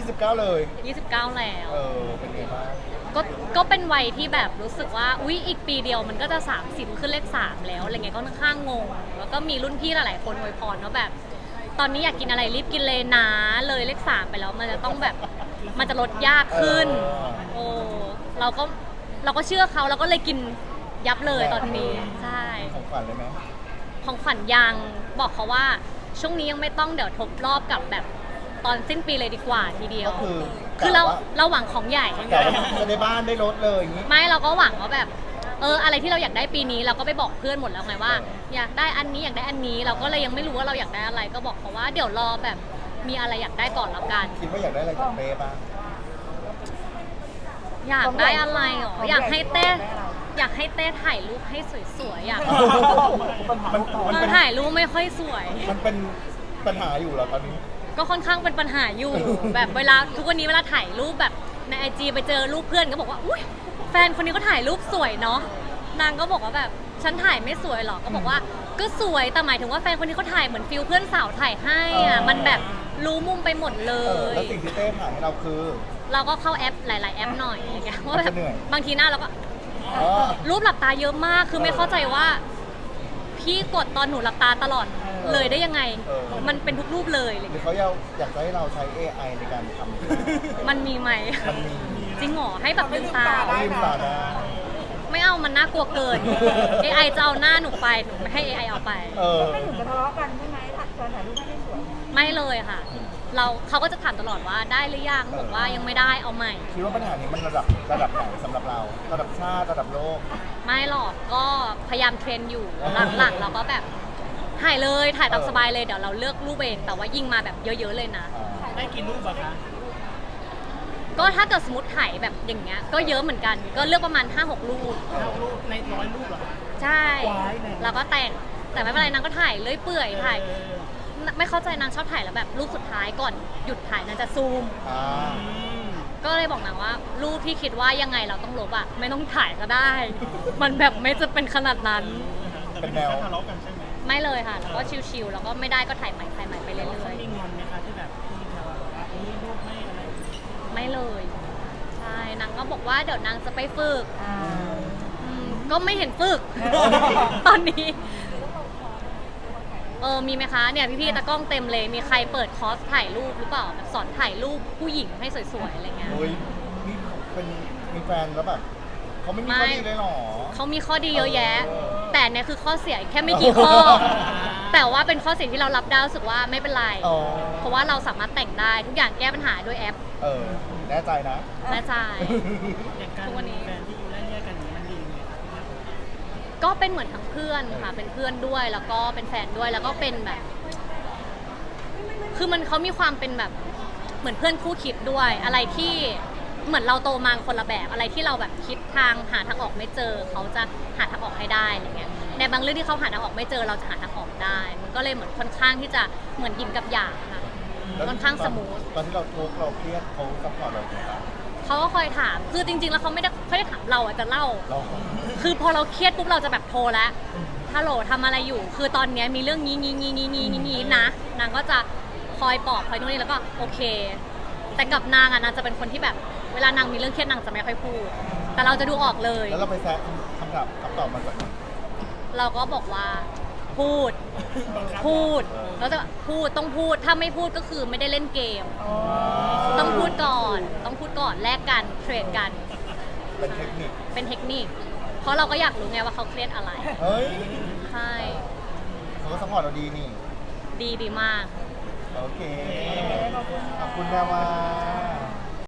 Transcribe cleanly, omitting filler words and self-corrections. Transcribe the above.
29เลย 29แล้วเป็นไงบ้างก็เป็นวัยที่แบบรู้สึกว่าอุ๊ยอีกปีเดียวมันก็จะ30ขึ้นเลข3แล้วอะไรเงี้ยก็ค่อนข้างงงแล้วก็มีรุ่นพี่หลายๆคนอวยพรว่าแบบตอนนี้อยากกินอะไรรีบกินเลยนะเลยเลข3ไปแล้วมันจะต้องแบบมันจะลดยากขึ้นโอ้เราก็เชื่อเขาเราก็เลยกินยับเลยตอนนี้ใช่ของขวัญเลยไหมของขวัญยังบอกเขาว่าช่วงนี้ยังไม่ต้องเดี๋ยวทบรอบกับแบบตอนสิ้นปีเลยดีกว่าทีเดียวคือเราหวังของใหญ่จะได้บ้านได้รถเลยอย่างนี้ไม่เราก็หวังว่าแบบอะไรที่เราอยากได้ปีนี้เราก็ไปบอกเพื่อนหมดแล้วไงว่าอยากได้อันนี้อยากได้อันนี้เราก็เลยยังไม่รู้ว่าเราอยากได้อะไรก็บอกเขาว่าเดี๋ยวรอแบบมีอะไรอยากได้ก่อนแล้วกันคิดว่าอยากได้อะไรจากเป้บ้างอยากได้อะไรหรออยากให้เต้ถ่ายรูปให้สวยๆอยากถ่ายรูปไม่ค่อยสวยมันเป็นปัญหาอยู่เหรอตอนนี้ก็ค่อนข้างเป็นปัญหาอยู่แบบเวลาทุกวันนี้เวลาถ่ายรูปแบบใน IG ไปเจอรูปเพื่อนก็บอกว่าอุ้ยแฟนคนนี้ก็ถ่ายรูปสวยเนาะนางก็บอกว่าแบบฉันถ่ายไม่สวยหรอก็บอกว่าก็สวยแต่หมายถึงว่าแฟนคนนี้เขาถ่ายเหมือนฟิลเพื่อนสาวถ่ายให้อ่ะมันแบบรู้มุมไปหมดเลยแล้วสิ่งที่เต้ถ่ายให้เราคือเราก็เข้าแอปหลายๆแอปหน่อยอย่างเงี้ยว่าแบบบางทีหน้าเราก็รูปหลับตาเยอะมากคือไม่เข้าใจว่าพี่กดตอนหนูหลับตาตลอดเลยได้ยังไงมันเป็นทุกรูปเลยหรือเขาอยากให้เราใช้ AI ในการทำมันมีไหมมันมีจริงหรอให้แบบลืมตาลืมตาได้ไม่เอามันน่ากลัวเกิน AI จะเอาหน้าหนูไปหนูไม่ให้ AI เอาไปไม่ถึงจะทะเลาะกันใช่ไหมตอนถ่ายรูปไม่สวยไม่เลยค่ะเขาก็จะถามตลอดว่าได้หรือยังบอกว่ายังไม่ได้เอาใหม่คิดว่าปัญหานี้มันระดับไหนสำหรับเราระดับชาติระดับโลกไม่หรอกก็พยายามเทรนอยู่หลังๆเราก็แบบถ่ายเลยถ่ายตามสบายเลยเดี๋ยวเราเลือกรูปเองแต่ว่ายิงมาแบบเยอะๆเลยนะได้กี่รูปอะคะก็ถ้าเกิดสมมติถ่ายแบบอย่างเงี้ยก็เยอะเหมือนกันก็เลือกประมาณ 5-6 รูปใน100 รูปเหรอใช่แล้วก็แต่งแต่ไม่เป็นไรนางก็ถ่ายเลื่อยเปื่อยถ่ายไม่เข้าใจนางชอบถ่ายแล้วแบบรูปสุดท้ายก่อนหยุดถ่ายนางจะซูมก็เลยบอกนางว่ารูปที่คิดว่ายังไงเราต้องลบอะไม่ต้องถ่ายก็ได้มันแบบไม่จะเป็นขนาดนั้นเป็นแนวทะเลาะกันใช่ไหมไม่เลยค่ะแล้วก็ชิลๆแล้วก็ไม่ได้ก็ถ่ายใหม่ไปเรื่อยๆมีงอนไหมคะที่แบบที่เราว่ารูปไม่อะไรไม่เลยใช่นางก็บอกว่าเดี๋ยวนางจะไปฝึกก็ไม่เห็นฝึกตอนนี้มีไหมคะเนี่ยพี่ๆตากล้องเต็มเลยมีใครเปิดคอร์สถ่ายรูปหรือเปล่าแบบสอนถ่ายรูปผู้หญิงให้สวยๆอะไรเงี้ยนี่เป็นมีแฟนแล้วแบบเขาไม่มีข้อดีเลยหรอเขามีข้อดีเยอะแยะแต่เนี่ยคือข้อเสียแค่ไม่กี่ข้อแต่ว่าเป็นข้อเสียที่เรารับได้รู้สึกว่าไม่เป็นไรเพราะว่าเราสามารถแต่งได้ทุกอย่างแก้ปัญหาด้วยแอปแน่ใจนะแน่ใจทุกวันนี้แฟนที่อยู่ได้เนี่ยกันมันดีไหมก็เป็นเหมือนทั้งเพื่อนค่ะเป็นเพื่อนด้วยแล้วก็เป็นแฟนด้วยแล้วก็เป็นแบบคือเขามีความเป็นแบบเหมือนเพื่อนคู่คิดด้วยอะไรที่เหมือนเราโตมาคนละแบบอะไรที่เราแบบคิดหาทางออกไม่เจอเขาจะหาทางออกให้ได้อะไรเงี้ยในบางเรื่องที่เขาหาทางออกไม่เจอเราจะหาทางออกได้มันก็เลยเหมือนค่อนข้างที่จะเหมือนยินกับหยางค่ะค่อนข้างสมูทตอนที่เราทุกข์เราเครียดเขาซัพพอร์ตเราไหมครับเขาก็คอยถามคือจริงๆแล้วเขาไม่ได้ถามเราจะเล่าคือพอเราเครียดปุ๊บเราจะแบบโทรแล้วฮัลโหลทำอะไรอยู่คือตอนนี้มีเรื่องนี้นะนางก็จะคอยปลอบคอยนู่นนี่แล้วก็โอเคแต่กับนางนางจะเป็นคนที่แบบเวลานางมีเรื่องเครียดนางจะไม่ค่อยพูดแต่เราจะดูออกเลยแล้วเราไปแซะคำตอบมาจากไหนเราก็บอกว่าพูดแล้วจะต้องพูดถ้าไม่พูดก็คือไม่ได้เล่นเกมต้องพูดก่อนแลกกันเทรดกันเป็นเทคนิคเพราะเราก็อยากรู้ไงว่าเขาเครียดอะไรใช่เขาก็ซัพพอร์ตเราดีนี่ดีมากโอเคขอบคุณแม่ว่า